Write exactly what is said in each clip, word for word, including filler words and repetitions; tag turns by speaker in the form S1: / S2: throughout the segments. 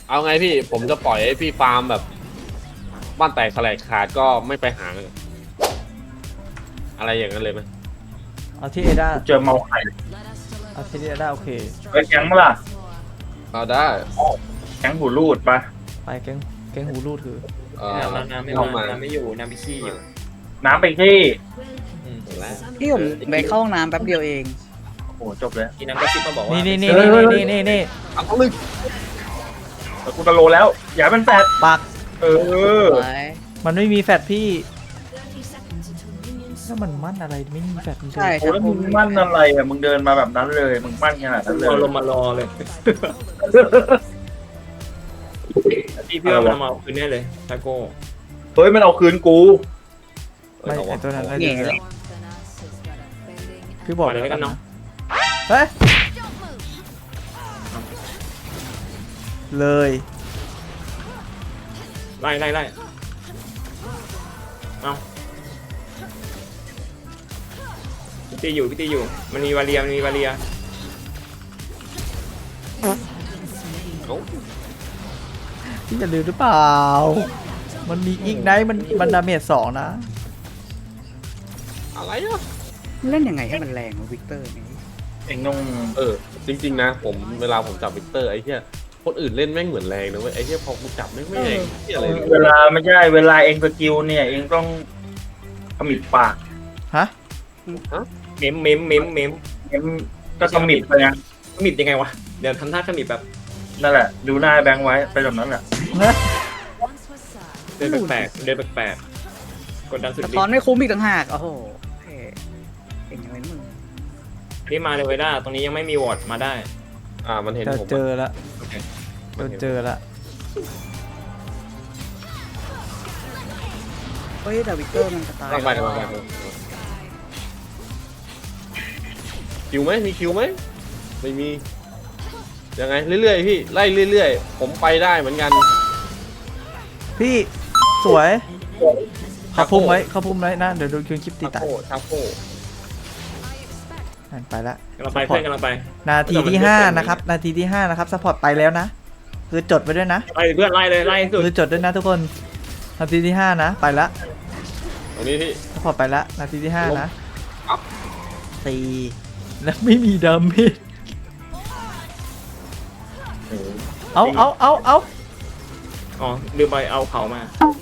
S1: เอาไงพี่ผมจะปล่อยให้พี่ฟาร์มแบบบ้านแตกแสลกขาดก็ไม่ไปหาอะไรอย่างนั้นเลยไหม
S2: เอาที่เอด้า
S3: เจอเมาไข่
S2: เอาที่เอด้าโอเค
S3: ไปแก๊งมั้ยล่ะ
S1: เอาได้
S3: แก๊งหูรูดปะ
S2: ไปแก๊งแก๊งหูรูดคือ
S1: เอ่อ
S4: น้ำน้ำไม่
S1: เข้า
S4: มา
S1: มา
S4: น้ำไม่อยู่น้ำไปขี้อยู่
S3: น้ำไปที่
S4: อืม
S1: แล้ว
S5: พี่ผมไปเข้าห้องน้ำแป๊บเดียวเอง
S3: โอ้โหจบเลย
S4: ทีน้ำก็ซิบมาบอกว่า
S2: นี่
S4: นี่
S2: นี่นี่นี่นี่นี่นี่
S1: เอาต้องลึก
S3: แล้วกูตะโลแล้ว อย่าเป็นแฟด
S2: ปัก
S3: เออ
S5: ไว้
S2: มันไม่มีแฟดพี่แล้วมันมั่นอะไรไม่มีแฟดมัน
S5: ใช่
S3: โอ้แล้วมึงมั่นอะไรอ่ะมึงเดินมาแบบนั้นเลยมึงมั่นขนาดนั้นเลย
S4: รอลงมารอเลยพี่พี่ว่ามันมาเอาคืนแน่เลยทาโก้
S3: เฮ้ยมันเอาคืนกู
S2: ไม่ไอตัวนั้น
S5: แง่
S2: ไอ้
S5: เลย
S2: พี่บอก
S4: เลยแล้วกันเนาะ
S2: เฮ้ยเลย
S4: ไล่ไล่ไล่เอาพี่ตีอยู่พี่ตีอยู่มันมีวาเลียมันมีวาเลีย
S1: เอา
S2: พี่จะลืมหรือเปล่า มันมีอีกไนท์มันมันดาเมจสองนะ
S1: อะไรอ่ะ
S5: เล่นยังไงให้มันแรงวะวิกเตอร์นี่
S3: เองต้อง
S1: เออจริงๆนะผมเวลาผมจับวิกเตอร์ไอ้เหี้ยคนอื่นเล่นแม่งเหมือนแรงนะเว้ยไอ้เหี้ยพอกูจับแม่งไม่แรงเหี้ยอะไรเลย
S3: เวลาไม่ใช่เวลาเองสกิลเนี่ยเองต้องขมิบปาก
S2: ฮะ
S4: เมมเมมเมมเมม
S3: เองก็ขมิบไปนะ
S4: ขมิบยังไงวะเดี๋ยวทำท่าขมิบแบบ
S3: นั่นแหละ ดูหน้าแบงค์ไว้ไปแบบนั้นแหละ
S4: เดินแปลกๆเดินแปลกๆกดดันสุด
S5: สะ
S4: ฤท
S5: ท้อน
S4: ธิ์
S5: ไม่คุ้มอีกต่างหาก โอ้โหเท่เก่งยังไงนะมึง
S4: นี่มาเลยเวด้าตรงนี้ยังไม่มีวอร์ดมาได้
S1: อ่ามันเห็น
S2: เจอ
S1: ผม
S2: เจอละ
S4: โอเค
S2: เจอเจอละ
S5: เฮ้ยแต่วิกเตอร์มันจะตาย
S1: ต้องไปต้องไปคิวไหมมีคิวไหมไม่มียังไงเรื่อยๆพี่ไล่เรื่อยๆผมไปได้เหมือนกัน
S2: พี่สวยเขาพุ่มไว้เขาพุ่มไว้นะเดี๋ยวโดนคืนคลิปตี
S1: ชา
S2: ตาย
S1: โคชาโค
S2: นั่นไปละ
S4: กำลังไปเพื่อนกำลังไป
S2: นาทีที่ห้านะครับนาทีที่ห้านะครับซัพพอร์ตไปแล้วนะคือจดไว้ด้วยนะ
S4: ไล่เพื่อนไล่เลยไล่สุด
S2: คือจดด้วยนะทุกคนนาทีที่ห้านะไปละ
S1: ตรงนี้พี่
S2: ซัพพอร์ตไปละนาทีที่ห้านะ
S1: อัพ
S2: ตีแล้วไม่มีดาเมจเอาเอาเอาเอา
S4: อ๋อลืมไปเอาเขามา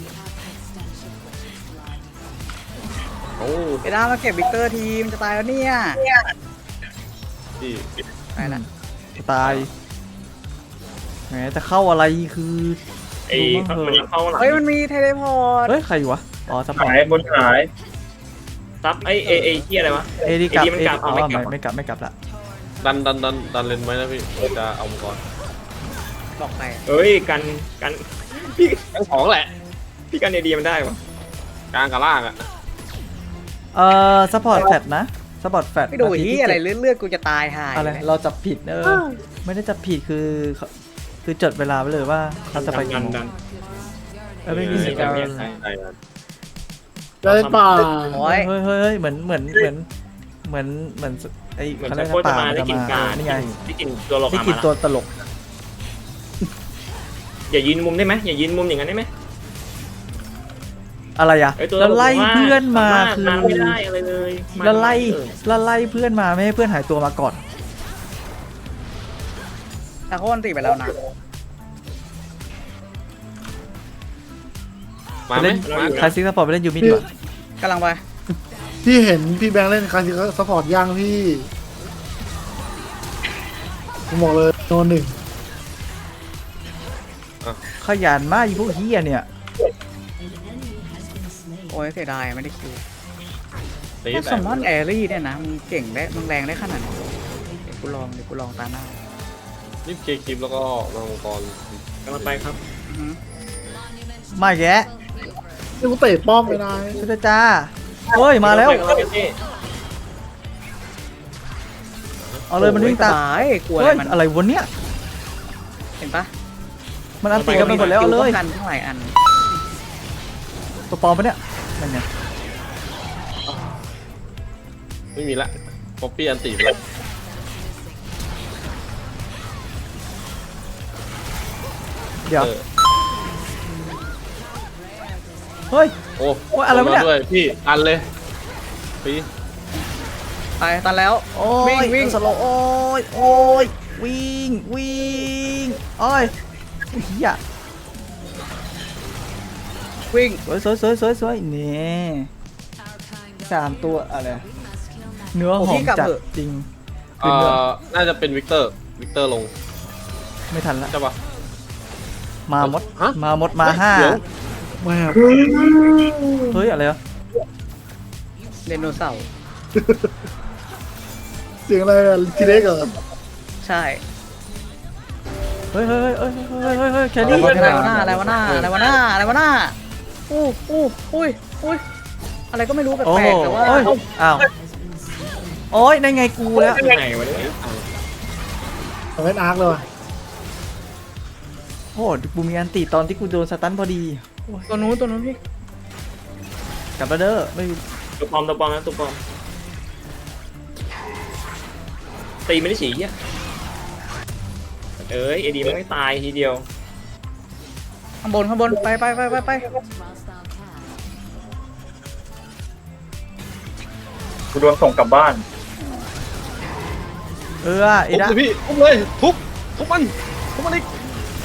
S1: โอ้
S5: ไปด้ามาเก็บวิกเตอร์ทีมจะตายแล้วเนี่ย
S1: พี่
S5: ไปละ
S2: ตายแหมจะเข้าอะไรคือ
S4: ไอ้มันยังเข้าหลัง
S5: เฮ้ยมันมีเทเลพอร์ต
S2: เฮ้ยใครอยู่วะอ๋อซัพพอร์ต
S3: หายบนหาย
S4: ซับไอ้เอเอเฮียอะไรวะ
S2: เอดีกลับ
S4: เอดีมัน
S2: เอก
S4: ลับ
S2: อ๋อ
S4: เอาไม่
S2: ไม่
S4: กลับ
S2: ไม่กลับไม่กลับละ
S1: ดันดันดันดันเลนไว้นะพี่เราจะเอามังกร
S5: บอกไป
S4: เฮ้ยกันกันพี่
S1: ทั้งสองแหละ
S4: พี่กันเอดีมันได้ปะ
S1: กลางกับล่างอ่ะ
S2: เอ่อซัพพอร์ตแฟดนะซัพพอร์ตแฟด
S5: ไม่ดูที่อะไรเลือดๆกูจะตายหาย
S2: อะไรเราจับผิดเออไม่ได้จับผิดคือคือจดเวลาไว้เลยว่าเขาจะไป
S4: ดั
S2: กี่
S4: น
S2: โมง
S4: ดัน
S2: เออไม่มี
S4: เออ
S2: สิการ
S4: ไม่มีใคร
S1: ใช่ครับ
S6: ได้ป่า
S5: โอ้ย
S2: เฮ้ยเฮ้ยเฮ้ยเหมือนเหมือนเหมือนเหมือนเหมือนไอ้
S4: เหมือน
S2: เขา
S4: จะ
S2: เรียก
S4: โคตร
S2: ว่า
S4: จะ
S2: ป่า
S4: มา
S2: มัน
S4: ได้
S2: จะ
S4: กิน
S2: มา
S4: กา
S2: นี่ไง
S4: ได้กินตัวหลอก
S2: ได้
S4: มา
S2: กินตัวตลก
S4: อย่ายืนมุมได้ไหมอย่ายืนมุมอย่างนั้นได้ไหม
S2: อะไรอ่ะ
S4: ไอ้ตัว
S2: แล้วไล่เพื่อนมาคือ
S4: มาไม่ได้อะไรเลย
S2: แล้วไล่แล้วไล่เพื่อนมาไม่ให้เพื่อนหายตัวมาก่อน
S5: แต่เขาวันตีไปแล้วนะ
S1: มาไหม
S2: เล่น
S1: มา
S2: คลาสสิกสปอร์ตไปเล่นยูมิดีกว่าก
S5: ำลังไป
S6: พี่เห็นพี่แบงค์เล่นคลาสสิกซัพพอร์ตย่างพี่ผมบอกเลยโนหนึ่ง
S2: ขยันมากอีพวกเฮียเนี่ย
S5: โอ้ยเสียดายไม่ได้คิว
S1: ตี
S5: ถ้า
S1: แต่
S5: สมมอนแอรี่เนี่ยนะมึงเก่งได้มึงแรงได้ขนาดไหนเดี๋ยวกูลองเดี๋ยวกูลองตาหน้า
S1: รีบเคลียร์คลิปแล้วก็มามังกร
S4: กำลังไปครับ
S5: อือหือ
S2: มาแยะ
S6: นี่กูเตะป้อมไปได้
S2: ช่วยด้วยจ้าเฮ้ยมาแล้ว
S4: กำงไปพี่
S2: เอาเลยมันวิ่งตาม
S5: โอ้ยกลัวอะไร
S2: เฮ้ย
S5: มัน
S2: อะไรวะเนี่ย
S5: เห็นปะ
S2: มันอันตีกันไปหมดแล้วเอาเลย
S5: ป้องกันทั้งหลายอัน
S2: ตัวปลอมปะเนี่ยนั่นไง
S1: ไม่มีละป๊อปปี้อันตีไปแล้ว
S2: เดี๋ยว
S1: ออ
S2: เฮ้ย
S1: โอ้
S2: โอ้ยอะไรวะเนี่ย
S1: ลงมาด้วยพี่อันเลยพี่
S5: ตายตันแล้ว
S2: โอ้
S5: วิ่ง
S2: ย
S5: วิ่ง
S2: สโลว์โอ้ยโอ้ยวิ่งวิ่งโอ้ยเฮีย
S5: วิ่ง
S2: สวยสวยสวยสวยสวยนี่สามตัวอะไรเนื้อหอมจัดจริง
S1: เอ่อน่าจะเป็นวิกเตอร์วิกเตอร์ลง
S2: ไม่ทันละ
S1: ใช่ปะ
S2: มาหมด
S1: ฮะ
S2: มาหมดมาห้า
S1: เดี๋ยว
S6: แม่
S2: เฮ้ยอะไรวะ
S5: เดนโนเสาร์
S6: เสียงอะไรอะทีเล็กเหรอ
S5: ใช่
S2: เฮ้ยเฮ้ยเฮ้ยเฮ้ยเฮ้ยเฮ้ยแค
S5: อะไร
S2: รี่
S5: วะหน้าอะไรวะหน้าอะไรวะหน้าอะไรวะหน้าอู้อู้อุ้ยอุ้ยอะไรก็ไม่รู้แป
S2: โอ้
S5: ล
S2: โห
S5: กๆแต่ว่า
S2: โอ้ยอ้าวโอ้ยได้ไงกูแล้ว
S4: ยังไงวะเนี่ย
S6: เอาเล่นอาร์คเลยว่ะ
S2: โอ้โหกูมีอันติตอนที่กูโดนสตันพอดี
S5: ตัวนู้นตัวนู้นพี่
S2: กลับมาเด้อไม่
S4: ตัวปลอมตัวปลอมนะตัวปลอมตีไม่ได้ฉี่เหี้ยเอ้ยเอดีมันไม่ตายทีเดียว
S5: ข้างบนข้างบนไปไปไปไปไป
S3: กูโดนส่งกลับบ้าน
S2: เออไอ้
S1: ทุบ
S2: ดะ
S1: เลยพี่ทุบเลยทุบทุบมันทุบมันอีก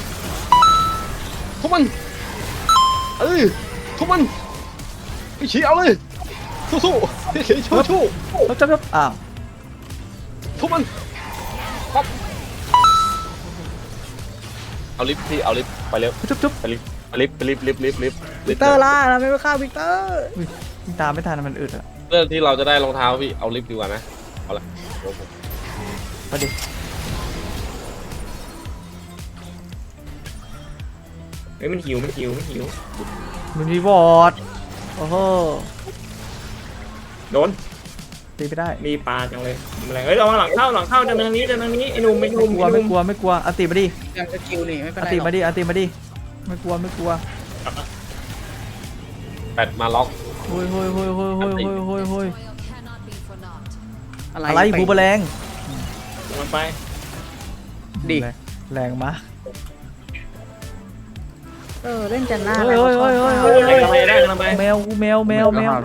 S1: ทุบมันเออทุบมันพี่ชี้เอาเลยสู้ๆพี่ชี้ชู้
S2: เขาจับจับอ้าว
S1: ๆทุบมันปั๊บเอาลิฟต์พี่เอาลิฟต์ไปเร็ว
S2: จุ๊บจุ๊บ
S1: ไปลิฟต์ไปลิฟต์ไปลิฟต์ลิฟต์ลิฟต์ลิฟต์ลิ
S5: วิ
S1: ฟ
S5: ก
S1: ต์
S5: เตอร์ล่าเราไม่ไปฆ่าวิกเตอร์
S2: อุ้ยยิงตามไม่ทันมันอึดอะ
S1: เรื่องที่เราจะได้รองเท้าพี่เอาลิฟต์ดีกว่านะเอาละเดี๋ยวผม
S2: มาดิ
S4: เฮ้ยมันหิวมันหิวมันหิว
S2: มันมีวอร์ดโอ้โห
S4: โดน
S2: ตีไม่ได้
S4: มีปลาจังเลยอะไรเฮ้ยระวังหลังเข้าหลังเข้าเดินทางนี้เดินทางนี้ไอ้หนุ่มไอ้หนุ่ม
S2: กลัว
S4: ไอ้ห
S2: ไม่
S4: นุ่ม
S2: กลัวไม่กลัวอันติมาดิ
S5: ยังจะคิวนี่ไม่เป็น
S2: อัน
S5: ไร
S2: ติ
S5: หรอก
S2: มาดิอันติมาดิไม่กลัวไม่กลัว
S1: แปดมาล็อก
S2: โอ้ยโอ้ยโอ้ยโอ้ยโอ้ยโอ้ยโอ้ยโอ้ย
S5: อะไร
S2: อะไรบูบแรง
S4: ลงไป
S5: ดิ
S2: แรงมาก
S5: เออเล่นจันหน้า
S2: เฮ้ยเฮ้ยเฮ้ยเฮ้ย
S4: เฮ้ยกำลังไปได้กำลังไป
S2: แมวแมวแมวแมว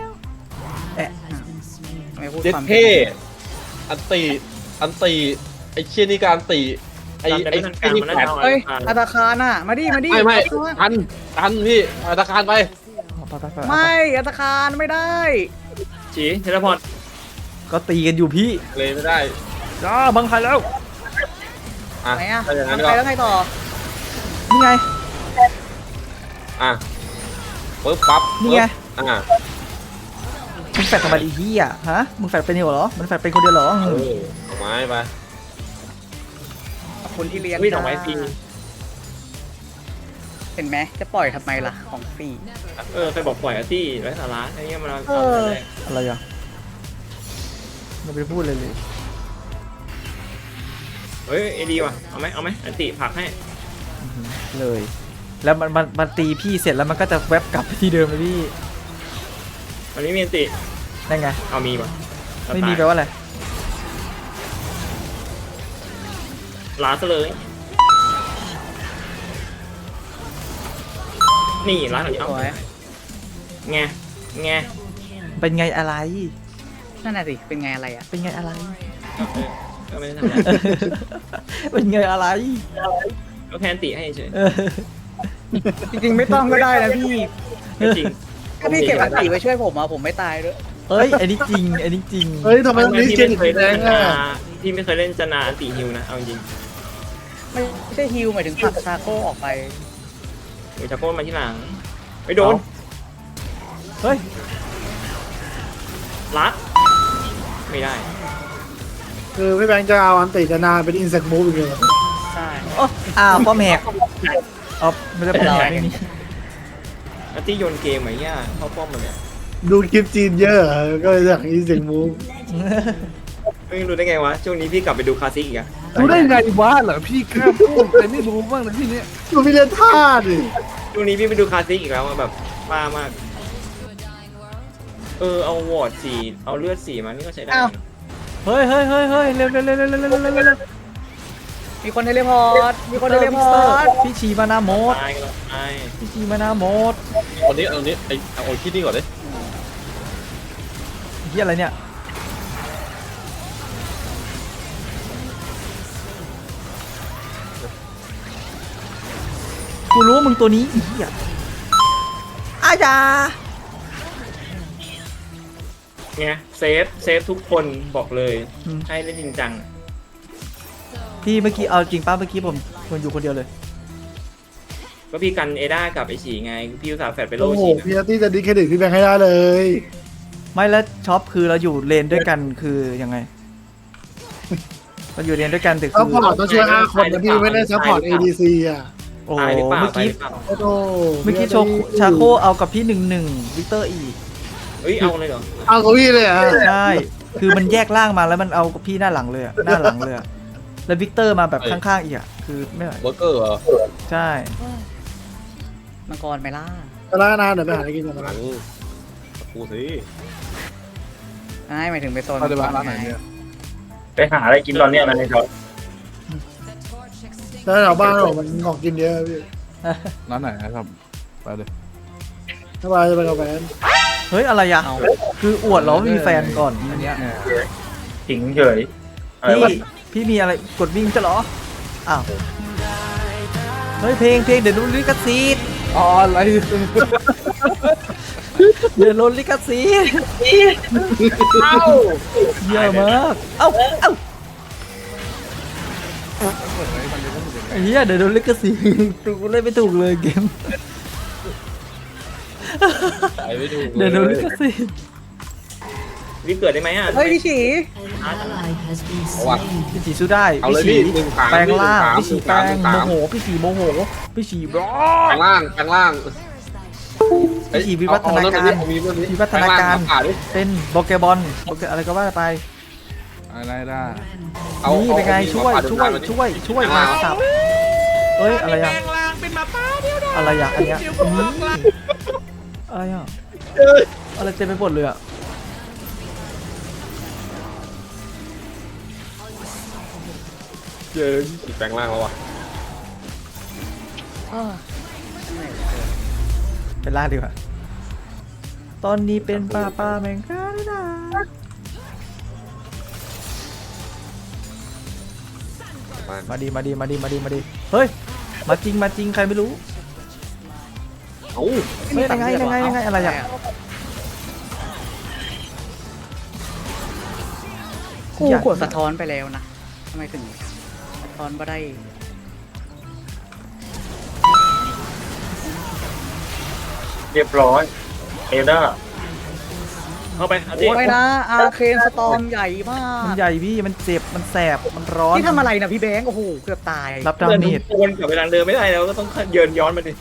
S5: ไม่พูด
S1: เจ็ด
S5: ความ
S1: เท่อันตีอันตีไอ้เชี่ยนี่การตีไอ้
S4: จำได้
S1: ไอ้
S4: ไม่ทัน
S1: ไอ้
S4: การ
S1: นี่
S4: มันน่า
S1: แปด
S4: จะเอา
S5: เฮ้ย
S4: อ่าน
S5: อัตาคารน่ะมาดิมาดิ
S1: ไม่ไม่
S5: เอาตัว
S1: ทันทันพี่อาตาการไป
S5: ไม่อัตาคารไม่ได้
S4: ฉีเทเลพอร์ต
S2: ก็ตีกันอยู่พี่
S1: เลยไม่ได้
S2: จ้าบังคับแล้ว
S1: อ่ะ
S5: ไหนอ่ะ
S1: ถ้าอย่างนั้น
S5: ทำ
S1: ก็
S5: ไปแล้วไงต่อ
S2: นี่ไง
S1: อ่ะปึ๊บปั๊บ
S2: นี่ไง
S1: ปึ๊บอ่ะ
S2: มึงแฟดทำไมไอ้เหี้ยฮะมึงแฟดเป็นเดียวเหรอมันแฟดเป็นคนเดียวเหรอ
S1: เออเอาไม้ไป
S5: ขอบคุณที่เลี้ยง
S4: วิ่งออกไม้ฟรี
S5: เห็นไหมจะปล่อยทำไมล่ะของฟรี
S4: เออใครบอกปล่อยอาร์ตี้ไร้สาระไอ้เงี้ยมันเอา
S5: เออ
S4: ทำอะไร
S2: อะไรอ่ะไม่ไปพูดเลยเลย
S4: เฮ้ยเอดีว่ะเอาไหมเอาไหมอันติผลักให้
S2: เลย แล้วมันมันมันตีพี่เสร็จแล้วมันก็จะแวบกลับไปที่เดิมเลยพี่
S4: มันไม่มีอันติ
S2: ได้ไง
S4: เอามีป่ะ
S2: ไม่มีแปลว่าอะไร
S4: ล้าซะเลยนี่ล้าหลัง
S5: ส
S4: เข้า
S5: วย
S4: ไงไง
S2: เป็นไงอะไร
S5: นั่นน่ะสิเป็นไงอะไรอ่ะ
S2: เป็นไงอะไร
S4: ก็ไม่ได้ทำอะไร
S2: เป็นไงอะไร
S4: ก็แค่อันติให้เฉย
S2: เออ
S5: จริงๆไม่ต้องก็ได้นะพี่
S4: ไม่จริง
S5: ถ้าพี่เก็บอันติไว้ช่วยผมอ่ะผมไม่ตายด้วย
S2: เอ้ยอันนี้จริงอันนี้จริง
S6: เฮ้ยทำไมตรงนี้
S4: พี่
S6: เจน
S4: ไม่
S6: อีก
S4: เคย
S6: แร
S4: เล่น
S6: ง
S4: จ
S6: อ่ะ
S4: นาพี่ไม่เคยเล่นจนาอันติฮิวนะเอาจริง
S5: ไม่ใช่ฮิวหมายถึงผลักซาโก้ออกไป
S4: หนูจะโก้มาที่หลังไม่โดน
S2: เฮ้ย
S4: รัดไม่ได้
S6: คือพี่แบงค์จะเอาอันติจะนาเป็นอินเสกมูฟอีกเลยเหรอ
S5: ใช่
S2: โอ้อ้าวป้อมแหกอ๋อไม่ได้ป้อมแหกไม่มี
S4: อันติโยนเกมไหมเนี่ยเข้าป้อมมันเนี่ย
S6: ดูคลิปจีนเยอะเหรอก็เลยอยากอินเสกมูฟ
S4: ไม่รู้ได้ไงวะช่วงนี้พี่กลับไปดูคลาสสิกอีกอะ
S7: รู้ได้ไงวะเหรอพี่แค่พูดแต่ไม่รู้บ้างนะที่เนี้ย
S6: ดูพี่เล่นท่าดิ
S4: ช่วงนี้พี่ไปดูคลาสสิกอีกแล้วอะแบบบ้ามากเออเอาวอร์ดสีเอาเลือดสีมานี่ก็ใช้ได้นะ
S2: เฮ้ยเฮ้ยเฮ้ยเฮ้ยเร็วเร็วเร็วเร็วเร็วเร็วเร็วเร็ว
S5: มีคนเทเลพอร์ตมีคนเทเลพอร์ต
S2: พี่ชีมานาโมด
S4: ตายกันแล้วตาย
S2: พี่ชีมานาโมด
S1: เอานี้เอานี้ไอ้เอาไอ้คิดนี่ก่อนเลย
S2: เฮียอะไรเนี่ยกูรู้ว่ามึงตัวนี้เฮียอาจา
S4: ไงเซฟเซฟทุกคนบอกเลยให้เล่นจริงจัง
S2: พี่เมื่อกี้เอาจริงป้าเมื่อกี้ผมผมอยู่คนเดียวเลย
S4: ก็พี่กันเอด้ากับไอฉีไงพี่อุตส่าห์แฟดไปโล
S6: โอ้โห
S4: ฉี
S6: พี่อาร์ตี้จะดิสเครดิตพี่แบงค์ให้ได้เลย
S2: ไม่แล้วช็อปคือเราอยู่เลนด้วยกันคือยังไงเราอยู่เลนด้วยกันแต่
S6: ซั
S2: คื
S6: พ
S2: อ
S6: พอร์ตต้องช่วยห้าคนนะพี่ไม่ได้ซัพพอร์ต เอ ดี ซี อ่ะ
S2: โอ้
S4: ตายหรือเปล่า
S2: เมื่อ
S4: ตาย
S2: กี้
S4: หรือเปล่า
S6: โอ้โห
S2: เมื่อกี้โชคชาโคเอากับพี่หนึ่งหนึ่งวิกเตอร์อีก
S4: เฮ้ยเอาเลยเหรอ
S6: เอากับพี่เลยอ่ะ
S2: ใช่คือมันแยกร่างมาแล้วมันเอากับพี่หน้าหลังเลยอะหน้าหลังเลยอะแล้ววิกเตอร์มาแบบข้างๆอีกอ่ะคือไม่ไหว
S1: เบอร์เกอร์เหรอ
S2: ใช่
S5: มังกรไหมล่ะ
S6: ไปแล้วนะเดี๋ยวไปหาอะไรกินกัน
S1: ห
S6: นะ
S1: ลังกูสิ
S5: ใช่หมายถึงไปโซน
S7: ไปเดี๋ยว
S5: มั
S7: บ้าง
S5: กร
S7: ร้านไหน
S5: ไง
S7: เนี่ย
S3: ไปหาอะไรกินตอนเนี้ยนะในจอ
S6: แล้วแถวบ้านเรามันของกินเยอะพี่
S7: ร้านไหนนะครับไปเลย
S6: ถ้าไปจะไปกับแฟน
S2: เฮ้ยอะไรอะคืออวดเหรามีแฟนก่อนอันเนี้ย
S3: ถิงเฉยอะไร
S2: พี่
S3: วะ
S2: พี่มีอะไรกดวิ่งจะเหรออ้าวเฮ้ยเพลงเพลงเดี๋ยวโดนลิขสิทธิ์
S7: อ๋ออะไร
S2: เดี๋ยวโดนลิขสิทธิ์เยอะมากเอ้าเอ้าไอ้เหี้ยเดี๋ยวโดนลิขสิทธิ์ถูกเล่นไม่ถูกเลยเกม
S1: ไปไม่ถูก
S2: เดี๋ยวโดนลิขสิทธิ์
S4: วิเกิดได้ไหมอ่ะ
S5: เฮ้ยพี่ฉี
S1: เอาว่ะ
S2: พี่สีสู้ได้
S1: เอาเลย
S2: พี่
S1: พี่
S2: สี
S1: หนึ่งสาม
S2: แปลงร่าง
S1: หนึ่
S2: พี่
S1: ง
S2: สี
S1: สาม
S2: แปลง
S1: หนึ่งสาม
S2: โมโหพี่สีโมโหพี่สีร้อ
S1: แปลงล่างแปลงล่าง
S2: พี่สีวิวัฒนาการ
S1: เอมีเรื่องนี้
S2: วิวัฒนาการ
S1: แปลงล่งมผ่ดิ
S2: เป็นโปเกบอลโปเกอะไรก็ว่าไป
S7: อะไรได้
S1: เอา
S2: นี่เป็นไง
S1: เอา
S2: ช่วย
S1: เอา
S2: ช่วย
S1: เอา
S2: ช่วยช่วย
S1: เอา
S2: มา
S1: เอา
S2: สับเอ้ยอะไรอะอะไรอะอันเนี้ยอืมอะไรอะอะไรเต็มไปหมดเลยอะ
S1: เจอพี่แปลงล่างแล้วว่ะ
S5: เออ
S2: เป็นล่าดีกว่าตอนนี้เป็นป้าป้าแมงกาได้นะมาดีมาดีมาดีมาดีมาดีเฮ้ยมาจริงมาจริงใครไม่รู้
S1: เอ้า
S2: เฮ้ยยังไงยังไงยังไงอะไรอะ
S5: กูกดสะท้อนไปแล้วนะทำไมถึงสะท้อนมาได้
S3: เรียบร้อยเอด้า
S4: เข้าไปเอาดิ
S5: โอ้ยนะอาเคนสตอมใหญ่มาก
S2: มันใหญ่พี่มันเจ็บมันแสบมันร้อน
S5: ที่ทำอะไรนะพี่แบงค์โอ้โหเกือบตาย
S2: รับดา
S4: เดิน
S2: เมจ
S4: วนกลับไปทางเดิมไม่ได้แล้วก็ต้องเดินย้อนมาดิ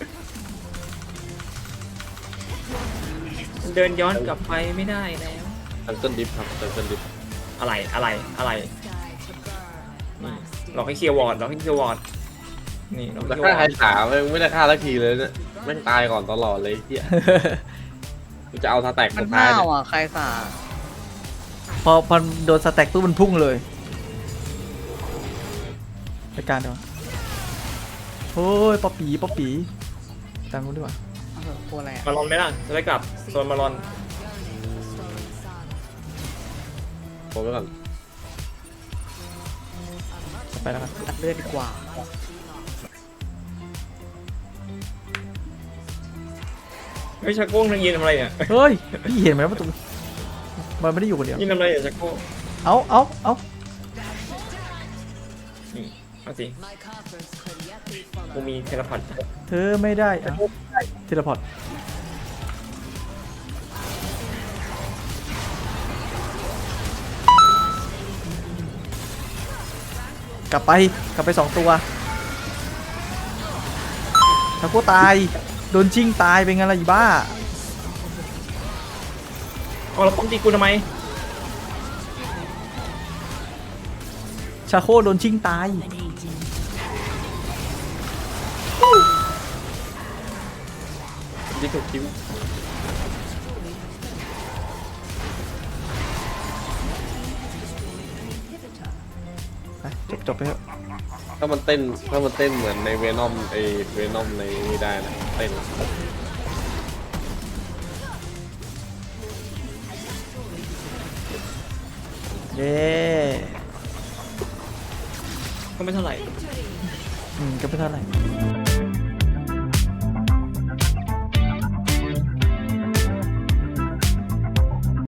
S4: เดินย้อนกลับไปไม่ได้แล้ว
S1: ทันเซิลดิฟครับทันเซิลดิฟ
S4: อะไรอะไรอะไรนี่หลอกให้เคลียร์วอร์ดหลอกให้เคลียร์วอร์ดนี่หลอก
S1: แต่
S4: ให้เคลียร์
S1: ฆ่าว
S4: อ
S1: ไอ้
S4: ร์ด
S1: ขาไม่ไม่ได้ฆ่าสักทีเลยเนี่ยแม่งตายก่อนตลอดเลยเฮียกูจะเอาสแต็ก
S5: มั
S1: สุ
S5: น
S1: ดท้าย
S5: ห้าว
S1: เนี่ย
S5: อ่ะใครสา
S2: พอพอโดนสแต็กปุ๊บมันพุ่งเลยไปการเดี๋ยวโอ้ยป๊อปปี้ป๊อปปี้ตังกูดีกว่า
S5: เอาเถอะตัวอะไรอะ
S4: มาลอนไหมล่ะจะได้กลับโซนมาลอน
S1: ผมไว้ก่อน
S2: ไปแล้วกัน
S5: ตัดเลือดดีกว่า
S4: เฮ้ยชักโก้งทางยืนทำอะไรเนี่ย
S2: เฮ้ยพี่เห็นไหมว่าตรงมันไม่ได้อยู่คนเดียว
S4: ยืนทำอะไรเนี่ยชักโก้ง
S2: เอาเอาเอา
S4: นี่เอาสิกูมีเทเลพอร์ต
S2: เธอไม่ได้อะเทเลพอร์ตกลับไปกลับไปสองตัวถ้ากูตายโดนชิงตายเป็นไงล่ะอีบ้า
S4: เอาแล้วป้อมตีกูทำไม
S2: ชาโคโดนชิงตาย
S1: ดิฟถูกคิว
S2: ไปจบจบไปเถอะ
S1: ถ้ามันเต้นถ้ามันเต้นเหมือนในเวนอมไอเวนอมในนี้ได้นะเต้น
S2: เย้
S4: ก็ไม่เท่าไหร่
S2: อืมก็ไม่เท่าไหร่